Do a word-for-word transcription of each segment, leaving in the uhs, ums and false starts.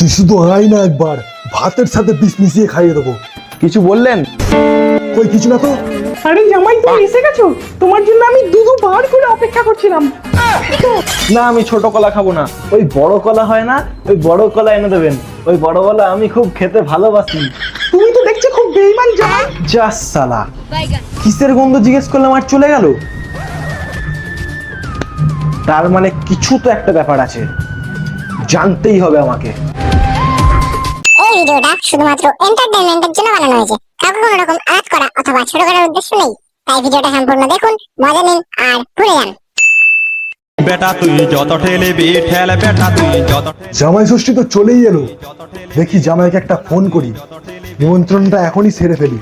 তুই শুধু আয় না একবার, ভাতের সাথে বিষ মিশিয়ে খাইয়ে দেবো। কিছু বললেন? কই কিছু না তো। আরে জামাই তুমি এসে গেছো, তোমার জন্য আমি দু দুবার করে অপেক্ষা করছিলাম। না, আমি ছোট কলা খাবো না, ওই বড় কলা হয় না, ওই বড় কলা এনে দেবেন। ওই বড় কলা আমি খুব খেতে ভালোবাসি। তুমি তো দেখছি খুব বেঈমান জামাই। জাস সালা, কিসের গন্ধ জিজ্ঞেস করলাম আর চলে গেল। তার মানে কিছু তো একটা ব্যাপার আছে, জানতেই হবে আমাকে। এই ভিডিওটা শুধুমাত্র এন্টারটেইনমেন্টের জন্য বানানো হয়েছে, কাউকে কোনো রকম আঘাত করা অথবা ছোট করার উদ্দেশ্য নেই। তাই ভিডিওটা সম্পূর্ণ দেখুন, মজা নিন আর ভুলে যান। বেটা তুই যত ঠেলবি ঠেল, বেটা তুই যত জামাই ষষ্ঠী তো চলেই এলো, দেখি জামাইকে একটা ফোন করি, নিমন্ত্রণটা এখনই সেরে ফেলি।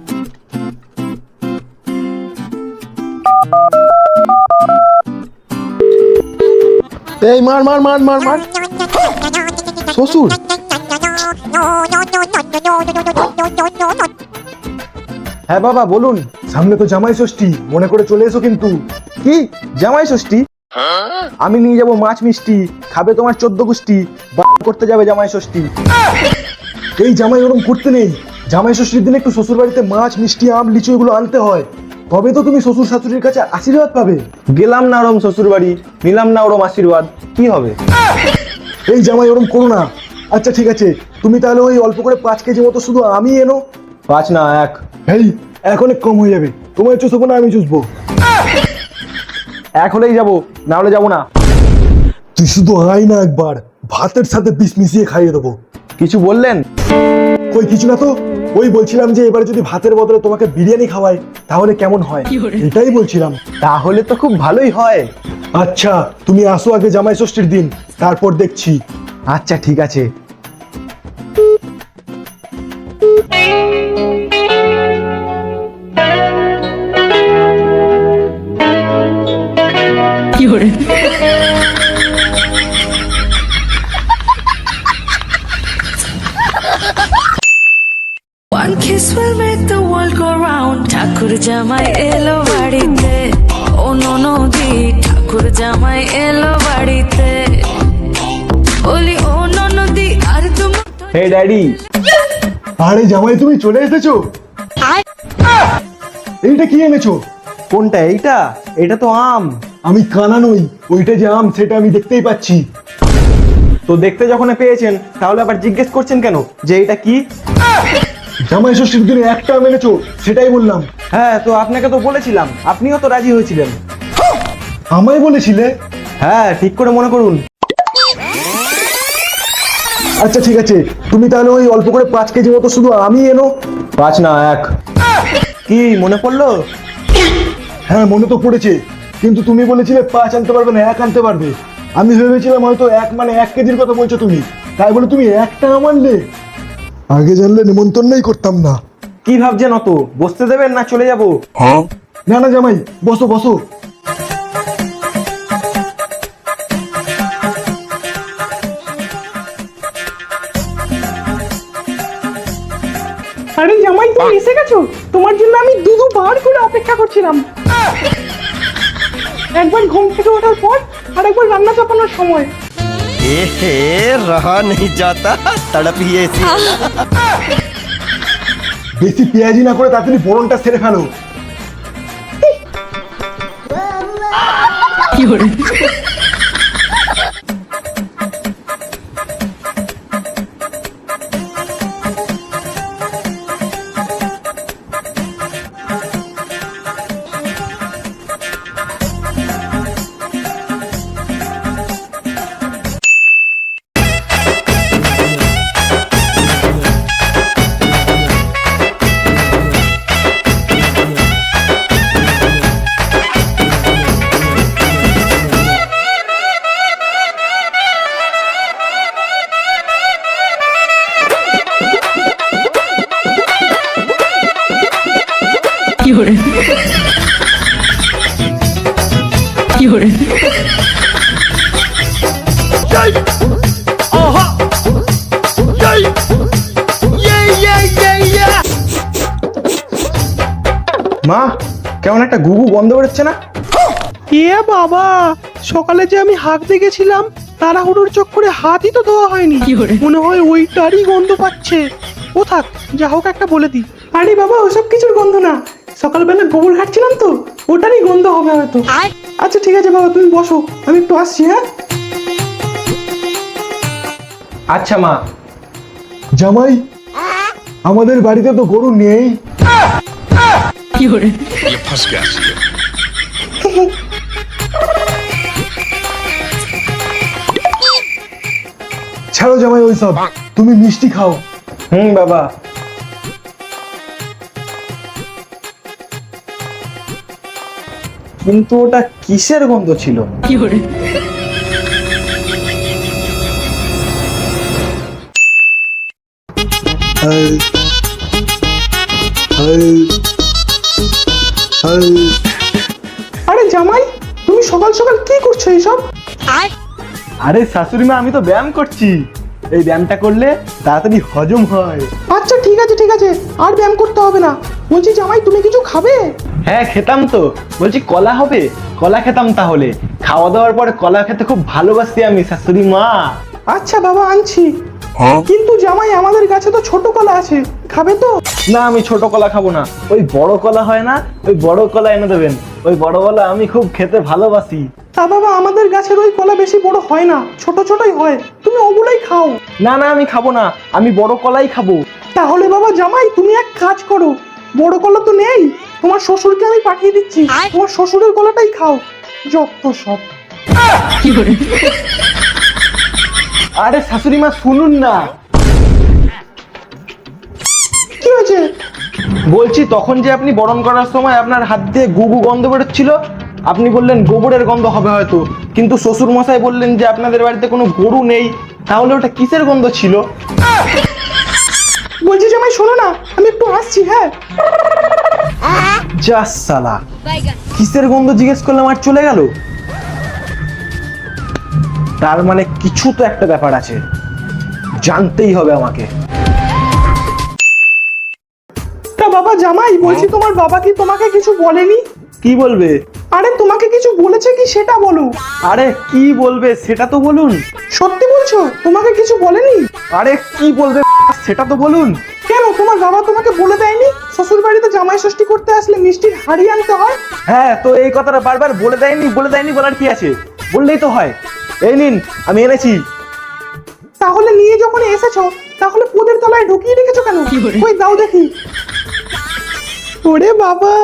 এই মার মার মার মার মার। শ্বশুর? হ্যাঁ বাবা বলুন। সামনে তো জামাই ষষ্ঠী, মনে করে চলে এসো কিন্তু। কি জামাই ষষ্ঠী? আমি নিয়ে যাব মাছ মিষ্টি, খাবে তোমার চোদ্দ গোষ্ঠী, বা করতে যাবে জামাই ষষ্ঠী। এই জামাই ওরম করতে নেই, জামাই ষষ্ঠীর দিনে একটু শ্বশুর বাড়িতে মাছ মিষ্টি আম লিচু এগুলো আনতে হয়, তবে তো তুমি শ্বশুর শাশুড়ির কাছে আশীর্বাদ পাবে। গেলাম না ওরম শ্বশুর বাড়ি, নিলাম না ওরম আশীর্বাদ, কি হবে? এই জামাই ওরম করো না। আচ্ছা ঠিক আছে, তুমি তাহলে ওই অল্প করে পাঁচ কেজি মতো শুধু আমি এনো। পাঁচ না এক। এই এক অনেক কম হয়ে যাবে, তোমার চুষবো না আমি চুষবো। এক হলেই যাবো, না হলে যাবো না। তুই শুধু আয় না একবার, ভাতের সাথে বিষ মিশিয়ে খাইয়ে দেবো। কিছু বললেন? কই কিছু না তো। ওই বলছিলাম যে এবার যদি ভাতের বদলে তোমাকে বিরিয়ানি খাওয়াই তাহলে কেমন হয়, এটাই বলছিলাম। তাহলে তো খুব ভালোই হয়। আচ্ছা তুমি আসো আগে জামাই ষষ্ঠীর দিন, তারপর দেখছি। আচ্ছা ঠিক আছে। One kiss will make the world go round. ঠাকুর জামাই এলো বাড়িতে, ও ননদি ঠাকুর জামাই এলো বাড়িতে, বলি ও ননদি আর তুমি। Hey daddy. আরে জামাই তুমি চলে এসেছো, এইটা কি এনেছো? কোনটা? এইটা? এটা তো আম। আমি কানা নই, ওইটা যে আম সেটা আমি দেখতেই পাচ্ছি। তো দেখতে যখন পেয়েছেন তাহলে আবার জিজ্ঞেস করছেন কেন যে এটা কি? জামাই ষষ্ঠীর দিনে একটা আম এনেছো, সেটাই বললাম। হ্যাঁ তো আপনাকে তো বলেছিলাম, আপনিও তো রাজি হয়েছিলেন। আমায় বলেছিলে? হ্যাঁ ঠিক করে মনে করুন। আচ্ছা ঠিক আছে, তুমি তাহলে ওই অল্প করে পাঁচ কেজি মতো শুধু আমি এনো। পাঁচ না এক। কি মনে পড়লো? হ্যাঁ মনে তো পড়েছে, কিন্তু তুমি বলেছিলে পাঁচ আনতে পারবে না, এক আনতে পারবে। আমি ভেবেছিলাম হয়তো এক মানে এক কেজির কথা বলছো তুমি, তাই বলে তুমি একটা আম আনলে। আগে জানলে নিমন্ত্রণই করতাম না। কি ভাবছেন অত? বসতে দেবেন না চলে যাবো? না না জামাই, বসো বসো। আরে জামাই তুমি এসে গেছো, তোমার জন্য আমি দু দুবার করে অপেক্ষা করছিলাম। একবার ঘুম থেকে ওঠার পর আর একবার রান্না চাপানোর সময়। ए रहा नहीं जाता, तड़प ही ऐसी। বেশি পেঁয়াজি না করে তাড়াতাড়ি ফোড়নটা সেরে ফেলো। মা, কেমন একটা গুগু গন্ধ বেরোচ্ছে না? এ বাবা, সকালে যে আমি হাঁক দিয়ে গেছিলাম তাড়াহুড়োর চক্করে হাতই তো ধোয়া হয়নি, মনে হয় ওইটারই গন্ধ পাচ্ছে। ও থাক, যা হোক একটা বলে দিই। আরে বাবা, ওসব কিছুর গন্ধ না, সকালবেলা গোবর ঘাটছিলাম তো, ওটারই গন্ধ হবে হয়তো। আচ্ছা ঠিক আছে বাবা, তুমি বসো, আমি একটু আসছি। হ্যাঁ আচ্ছা মা। জামাই, আমাদের বাড়িতে তো গরু নেই। ছাড়ো জামাই ওইসব, তুমি মিষ্টি খাও। হুম বাবা। কিন্তু ওটা কিসের গন্ধ ছিল? Hi, hi, hi. আরে জামাই, তুমি সকাল সকাল কি করছো এইসব? আরে শাশুড়ি মা, আমি তো ব্যায়াম করছি। এই ব্যায়ামটা করলে তাড়াতাড়ি হজম হয়। আচ্ছা ঠিক আছে ঠিক আছে, আর ব্যায়াম করতে হবে না। বলছি জামাই, তুমি কিছু খাবে? হ্যাঁ খেতাম তো। বলছি কলা হবে? কলা খেতাম তাহলে। খাওয়া দাওয়ার পরে কলা খেতে খুব ভালোবাসি আমি শাশুড়ি মা। আচ্ছা বাবা, আনছি। কিন্তু জামাই, আমাদের কাছে তো ছোট কলা আছে, খাবে তো? না, আমি ছোট কলা খাবো না। ওই বড় কলা হয় না, ওই বড় কলা এনে দেবেন। ওই বড় কলা আমি খুব খেতে ভালোবাসি। তা বাবা, আমাদের গাছের ওই কলা বেশি বড় হয় না, ছোট ছোটই হয়, তুমি ওগুলোই খাও। না না, আমি খাবো না, আমি বড় কলাই খাবো। তাহলে বাবা জামাই, তুমি এক কাজ করো, বড় কলা তো নেই, তোমার শ্বশুরকে আমি পাঠিয়ে দিচ্ছি, তোমার শ্বশুরের কলাটাই খাও। যত সব। আরে শাশুড়ি মা শুনুন না। কি হয়েছে? বলছি তখন যে আপনি বরণ করার সময় আপনার হাত দিয়ে গুগু গন্ধ বেরোচ্ছিল, আপনি বললেন গোবরের গন্ধ হবে হয়তো, কিন্তু শ্বশুর মশাই বললেন যে আপনাদের বাড়িতে কোনো গরু নেই। তাহলে ওটা কিসের গন্ধ ছিল? বলছি জামাই, শোনো না, আমি একটু আসছি। হ্যাঁ যা সালা, কিসের গন্ধ জিজ্ঞেস করলাম আর চলে গেল। তার মানে কিছু তো একটা ব্যাপার আছে, জানতেই হবে আমাকে। তা বাবা জামাই, বলছি তোমার বাবা কি তোমাকে কিছু বলেনি? কি বলবে? আরে তোমাকে কিছু বলেছে কি সেটা বলো। আরে কি বলবে সেটা তো বলুন। সত্যি বলছো, তোমাকে কিছু বলেনি? আরে কি বলবে সেটা তো বলুন। কেন, তোমার বাবা তোমাকে বলে দেয়নি শ্বশুর বাড়িতে জামাই ষষ্ঠী করতে আসলে মিষ্টির হাড়ি আনতে হয়? হ্যাঁ, তো এই কথাটা বারবার বলে দেয়নি বলে দেয়নি বলার কি আছে, বললেই তো হয়। এই নিন, আমি এনেছি। তাহলে নিয়ে যখন এসেছো, তাহলে পোদের তলায় ঢুকিয়ে রেখেছো কেন? ওই দাও দেখি। ওরে বাবা,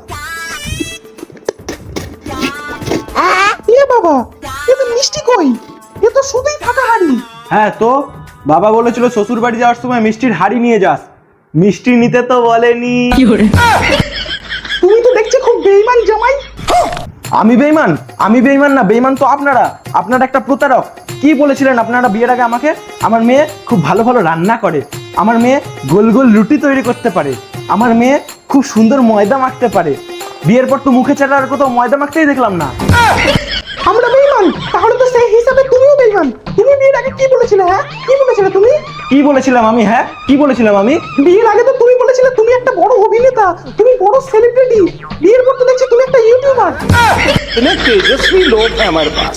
এ বাবা, এ তো মিষ্টি কই? এ তো শুধুই ফাঁকা হাড়ি। হ্যাঁ, তো বাবা বলেছিল শ্বশুর বাড়ি যাওয়ার সময় মিষ্টির হাড়ি নিয়ে যাস, মিষ্টি নিতে তো বলেনি। তুমি তো দেখছি খুব বেঈমান জামাই। আমি বেঈমান? আমি বেঈমান না, বেঈমান তো আপনারা। আপনারা একটা প্রতারক। কি বলেছিলেন আপনারা বিয়ের আগে আমাকে? আমার মেয়ে খুব ভালো ভালো রান্না করে, আমার মেয়ে গোল গোল রুটি তৈরি করতে পারে, আমার মেয়ে খুব সুন্দর ময়দা মাখতে পারে। বিয়ের পর তো মুখে চাটা আর কোথাও ময়দা মাখতেই দেখলাম না। আমরা বেঈমান? তাহলে তো সেই হিসাবে তুমিও বেঈমান। তুমি বিয়ের আগে কি বলেছিলে? হ্যাঁ কি বলেছিলে তুমি? কি বলেছিলাম আমি? হ্যাঁ কি বলেছিলাম আমি? বিয়ের আগে তো তুমি বলেছিলে তুমি একটা বড় অভিনেতা, তুমি বড় সেলিব্রিটি। বিয়ের পর তো দেখছি তুমি একটা ইউটিউবার। इतने तेजस्वी लोग हैं हमारे पास।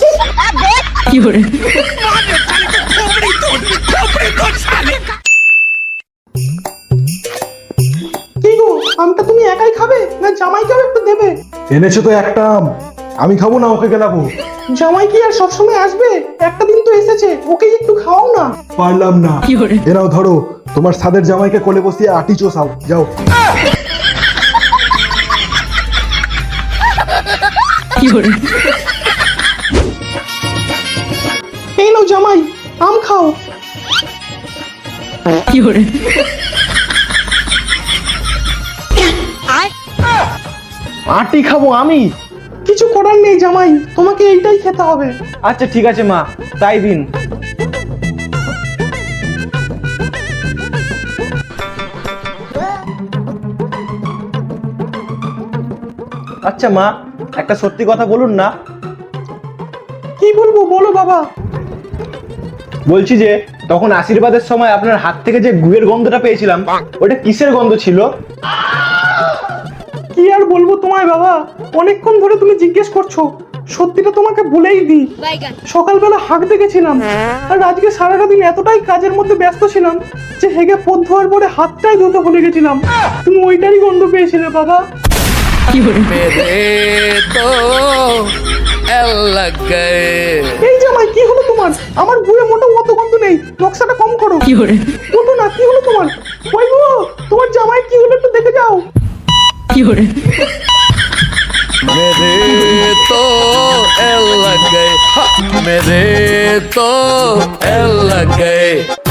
কি গো, আমটা তুমি একাই খাবে না জামাইকেও একটু দেবে? এনেছো তো একটা আম, আমি খাবো না, ওকে গেলাবো। জামাই কি আর সবসময় আসবে? একটা দিন তো এসেছে, ওকে একটু খাওয়াও না। পারলাম না। এনাও ধরো, তোমার সাদের জামাইকে কোলে বসিয়ে আটি চোষাও, যাও। এই নাও জামাই, আম খাও। আটি খাবো আমি? কিছু করার নেই জামাই, তোমাকে এইটাই খেতে হবে। আচ্ছা ঠিক আছে মা, তাই দিন। আচ্ছা মা, একটা সত্যি কথা বলুন না। কি বলবো, বলো বাবা। বলছি যে তখন আশীর্বাদের সময় আপনার হাত থেকে যে গুয়ের গন্ধটা পেয়েছিলাম, ওটা কিসের গন্ধ ছিল? কি আর বলবো তোমায় বাবা, অনেকক্ষণ ধরে তুমি জিজ্ঞেস করছো, সত্যিটা তোমাকে বলেই দিই, সকালবেলা হাঁকতে গেছিলাম, আর আজকে সারাটা দিন এতটাই কাজের মধ্যে ব্যস্ত ছিলাম যে হেগে পথ ধোয়ার পরে হাতটাই ধুতে ভুলে গেছিলাম। তুমি ওইটারই গন্ধ পেয়েছিলে বাবা। এই জামাই কি হলো তোমার? আমার বুয়ে মোটো অত গন্ধ নেই, নকশাটা কম করো। ওঠো না, কি হলো তোমার? ওই গো, তোমার জামাই কি হলো একটু দেখে যাও। मेरे तो एल लग गए, हाँ, मेरे तो एल लग गए।